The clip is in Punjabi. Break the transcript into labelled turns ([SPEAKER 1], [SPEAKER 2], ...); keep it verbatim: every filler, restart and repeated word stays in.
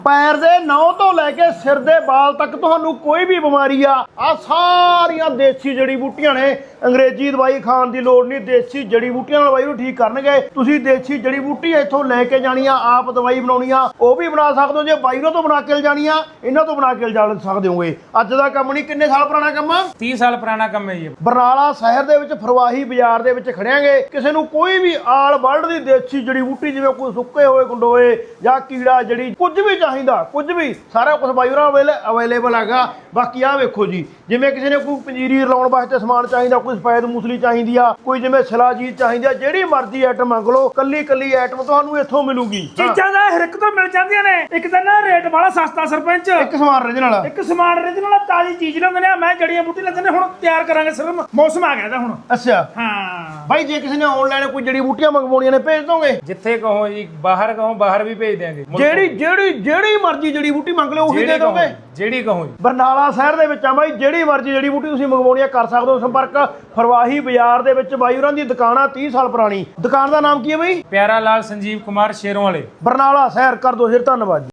[SPEAKER 1] ਪੈਰ ਦੇ ਨਹੁੰ ਤੋਂ ਲੈ ਕੇ ਸਿਰ ਦੇ ਵਾਲ ਤੱਕ ਤੁਹਾਨੂੰ ਕੋਈ ਵੀ ਬਿਮਾਰੀ ਆ ਆ ਸਾਰੀਆਂ ਦੇਸੀ ਜੜੀ ਬੂਟੀਆਂ ਨੇ। ਅੰਗਰੇਜ਼ੀ ਦਵਾਈ ਖਾਣ ਦੀ ਲੋੜ ਨਹੀਂ, ਦੇਸੀ ਜੜੀ ਬੂਟੀਆਂ ਨਾਲ ਦਵਾਈ ਨੂੰ ਠੀਕ ਕਰਨਗੇ। ਤੁਸੀਂ ਦੇਸੀ ਜੜੀ ਬੂਟੀ ਇੱਥੋਂ ਲੈ ਕੇ ਜਾਣੀ ਆ, ਆਪ ਦਵਾਈ ਬਣਾਉਣੀ ਆ, ਉਹ ਵੀ ਬਣਾ ਸਕਦੇ ਹੋ। ਜੇ ਬਾਈਰੋਂ ਤੋਂ ਬਣਾ ਕੇ ਲਿਜਾਣੀ ਆ, ਇਹਨਾਂ ਤੋਂ ਬਣਾ ਕੇ ਲਿਜਾ ਸਕਦੇ ਹੋਗੇ। ਅੱਜ ਦਾ ਕੰਮ ਨਹੀਂ, ਕਿੰਨੇ ਸਾਲ ਪੁਰਾਣਾ ਕੰਮ ਆ?
[SPEAKER 2] तीस ਸਾਲ ਪੁਰਾਣਾ ਕੰਮ ਹੈ ਜੀ।
[SPEAKER 1] ਬਰਨਾਲਾ ਸ਼ਹਿਰ ਦੇ ਵਿੱਚ ਫਰਵਾਹੀ ਬਾਜ਼ਾਰ ਦੇ ਵਿੱਚ ਖੜਿਆਂਗੇ। ਕਿਸੇ ਨੂੰ ਕੋਈ ਵੀ ਆਲ ਵਰਲਡ ਦੀ ਦੇਸੀ ਜੜੀ ਬੂਟੀ, ਜਿਵੇਂ ਕੋਈ ਸੁੱਕੇ ਹੋਏ ਗੰਡੋਏ ਜਾਂ ਕੀੜਾ ਜੜੀ, ਕੁਝ ਵੀ ਚਾਹੀਦਾ, ਕੁਝ ਵੀ ਸਾਰਾ ਕੁਝ ਬਾਈਰਾਂ ਵੇਲੇ ਅਵੇਲੇਬਲ ਹੈਗਾ। ਬਾਕੀ ਆਹ ਵੇਖੋ ਜੀ, ਜਿਵੇਂ ਕਿਸੇ ਨੇ ਕੋਈ ਪੰਜੀਰੀ ਲਾਉਣ ਵਾਸਤੇ ਸਮਾਨ ਚਾਹੀਦਾ, ਕੋਈ ਸਫੈਦ ਮੂਸਲੀ ਚਾਹੀਦੀ ਆ, ਕੋਈ ਜਿਵੇਂ ਸਲਾਜੀਤ ਚਾਹੀਦੀ ਆ, ਜਿਹੜੀ ਮਰਜ਼ੀ ਆਈਟਮ ਮੰਗ ਲਓ, ਕੱਲੀ ਕੱਲੀ ਆਈਟਮ ਤੁਹਾਨੂੰ ਇੱਥੋਂ ਮਿਲੂਗੀ।
[SPEAKER 2] ਚੀਜ਼ਾਂ ਦਾ ਹਰ ਇੱਕ ਤੋਂ ਮਿਲ ਜਾਂਦੀਆਂ ਨੇ। ਇੱਕ ਤਾਂ ਨਾ ਰੇਟ ਵਾਲਾ ਸਸਤਾ ਸਰਪੰਚ,
[SPEAKER 1] ਇੱਕ ਸਮਾਨ original,
[SPEAKER 2] ਇੱਕ ਸਮਾਨ original ਤਾਜ਼ੀ ਚੀਜ਼ ਲੈਂਦੇ ਨੇ। ਮੈਂ ਜੜੀਆਂ ਬੂਟੀ ਲੈਂਦੇ ਨੇ, ਹੁਣ ਤਿਆਰ ਕਰਾਂਗੇ, ਸਿਰਫ ਮੌਸਮ ਆ ਗਿਆ ਤਾਂ ਹੁਣ।
[SPEAKER 1] ਅੱਛਾ
[SPEAKER 2] ਹਾਂ
[SPEAKER 1] ਬਾਈ, ਜੇ ਕਿਸੇ ਨੇ ਆਨਲਾਈਨ ਕੋਈ ਜੜੀ ਬੂਟੀਆਂ ਮੰਗਵਾਉਣੀਆਂ ਨੇ, ਭੇਜ ਦੋਗੇ?
[SPEAKER 2] ਜਿੱਥੇ ਕਹੋ ਜੀ, ਬਾਹਰ ਕਹੋ ਬਾਹਰ ਵੀ ਭੇਜ ਦਿਆਂਗੇ।
[SPEAKER 1] ਜਿਹੜੀ ਜਿਹੜੀ ਜਿਹੜੀ ਮਰਜ਼ੀ ਜੜੀ ਬੂਟੀ ਮੰਗ ਲਓ, ਉਹੀ ਦੇ ਦੋਗੇ।
[SPEAKER 2] ਜਿਹੜੀ ਕਹੋ ਜੀ।
[SPEAKER 1] ਬਰਨਾਲਾ ਸ਼ਹਿਰ ਦੇ ਵਿੱਚ ਆ ਬਾਈ, ਜਿਹੜੀ ਮਰਜ਼ੀ ਜੜੀ ਬੂਟੀ ਤੁਸੀਂ ਮੰਗਵਾਉਣੀ ਆ ਕਰ ਸਕਦੇ ਹੋ। ਸੰਪਰਕ ਫਰਵਾਹੀ ਬਾਜ਼ਾਰ ਦੇ ਵਿੱਚ ਬਾਈ ਹੋਰਾਂ ਦੀ ਦੁਕਾਨ ਆ, ਤੀਹ ਸਾਲ ਪੁਰਾਣੀ। ਦੁਕਾਨ ਦਾ ਨਾਮ ਕੀ ਹੈ ਬਾਈ?
[SPEAKER 2] ਪਿਆਰਾ ਲਾਲ ਸੰਜੀਵ ਕੁਮਾਰ ਸ਼ੇਰੋਂ ਵਾਲੇ,
[SPEAKER 1] ਬਰਨਾਲਾ ਸ਼ਹਿਰ। ਕਰ ਦੋ ਫਿਰ, ਧੰਨਵਾਦ ਜੀ।